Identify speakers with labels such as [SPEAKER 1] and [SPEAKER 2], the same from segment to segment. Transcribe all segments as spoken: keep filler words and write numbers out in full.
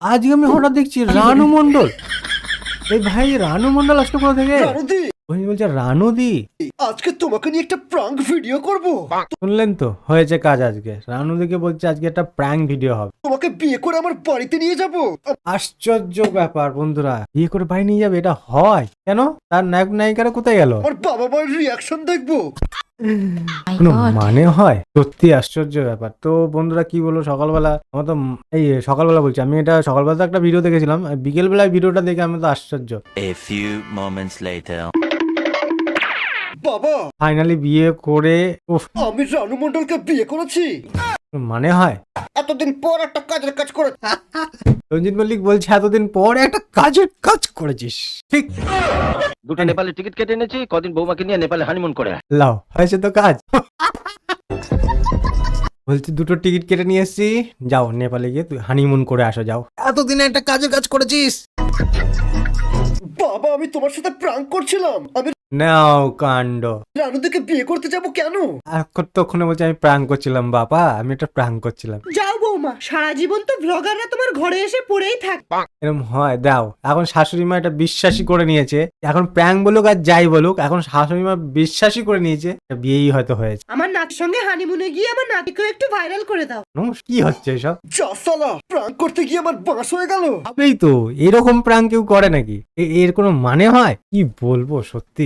[SPEAKER 1] আজকে আমি হঠাৎ দেখছি রানু মন্ডল। এই ভাই রানু মন্ডল আসলো কোথা থেকে?
[SPEAKER 2] রানুদি,
[SPEAKER 1] ওই বলছে রানুদি,
[SPEAKER 2] আজকে তোমাকে নিয়ে একটা প্রাঙ্ক ভিডিও করব।
[SPEAKER 1] শুনলেন তো হয়েছে কাজ আজকে। রানুদিকে বলছে আজকে একটা প্র্যাঙ্ক ভিডিও হবে।
[SPEAKER 2] তোমাকে বিয়ে করে আমার বাড়িতে নিয়ে যাব।
[SPEAKER 1] আশ্চর্য ব্যাপার বন্ধুরা, বিয়ে করে বাড়ি নিয়ে যাবে, এটা হয় কেন? তার নায়ক নায়িকারা কোথায় গেল?
[SPEAKER 2] আমার বাবা মায়ের রিয়াকশন দেখবো।
[SPEAKER 1] কোনো মানে হয়? সত্যি আশ্চর্য ব্যাপার। তো বন্ধুরা কি বলবো, সকালবেলা আমার তো উম, এই সকালবেলা বলছি, আমি এটা সকালবেলা তো একটা ভিডিও দেখেছিলাম, বিকেল বেলায় ভিডিওটা দেখে আমি তো আশ্চর্য।
[SPEAKER 3] A few moments later.
[SPEAKER 2] বাবা,
[SPEAKER 1] ফাইনালি বিয়ে করে, উফ,
[SPEAKER 2] আমি রানু মন্ডলকে বিয়ে করেছি।
[SPEAKER 1] মানে হয়?
[SPEAKER 2] এতদিন পর একটা কাজের কাজ করে।
[SPEAKER 1] রঞ্জিত মল্লিক বলছে এতদিন পর একটা কাজের কাজ করেছিস, ঠিক?
[SPEAKER 4] দুটো নেপালে টিকিট কেটে এনেছি, কদিন বৌমাকে নিয়ে নেপালে হানিমুন করে আয়।
[SPEAKER 1] লাও, হয়েছে তো কাজ। বলছি দুটো টিকিট কেটে নিয়ে এসছি, যাও নেপালে গিয়ে তুই হানিমুন করে আসো, যাও। এতদিনে একটা কাজের কাজ করেছিস।
[SPEAKER 2] বাবা, আমি তোমার সাথে প্রাঙ্ক করছিলাম। আমি
[SPEAKER 1] নাও কাণ্ড।
[SPEAKER 2] রানুদিকে বিয়ে করতে যাব কেন?
[SPEAKER 1] এখন তখনই বলছে আমি প্র্যাঙ্ক করছিলাম বাবা, আমি একটা প্র্যাঙ্ক করছিলাম।
[SPEAKER 5] যাও বৌমা, সারা জীবন তো ব্লগাররা তোমার ঘরে এসে পড়েই থাক।
[SPEAKER 1] এরকম হয়? দাও, এখন শাশুড়ি মা এটা বিশ্বাসই করে নিয়েছে। এখন প্র্যাঙ্ক বলুক আর যাই বলুক, এখন শাশুড়ি মা বিশ্বাসই করে নিয়েছে, এটা বিয়েই হয়তো হয়েছে।
[SPEAKER 5] আমার নাতির সঙ্গে হানিমুনে গিয়ে আমার নাতিকেও একটু ভাইরাল করে দাও।
[SPEAKER 1] হুম, কি হচ্ছে এসব?
[SPEAKER 2] যা সালা, প্রাঙ্ক করতে গিয়ে আমার বাঁশ হয়ে গেল।
[SPEAKER 1] হবেই তো, এরকম প্র্যাঙ্ক কেউ করে নাকি? এ- এর কোনো মানে হয়? কি বলবো সত্যি।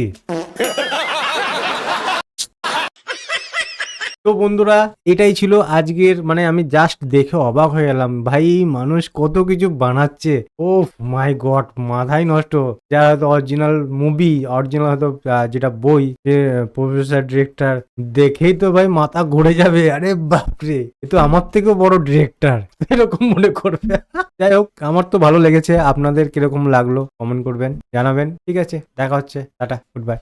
[SPEAKER 1] তো বন্ধুরা, এটাই ছিল আজকের, মানে আমি জাস্ট দেখে অবাক হয়ে গেলাম, ভাই মানুষ কত কিছু বানাচ্ছে। ও মাই গড, মাথায় নষ্ট। যারা হয়তো অরিজিনাল মুভি, অরিজিনাল হয়তো আহ, যেটা বই, যে প্রফেসর ডিরেক্টর দেখেই তো ভাই মাথা ঘুরে যাবে, আরে বাপরে, এ তো আমার থেকেও বড় ডিরেক্টর, এরকম মনে করবে। যাই হোক, আমার তো ভালো লেগেছে। আপনাদের কিরকম লাগলো কমেন্ট করবেন, জানাবেন। ঠিক আছে, দেখা হচ্ছে, টাটা, গুড বাই।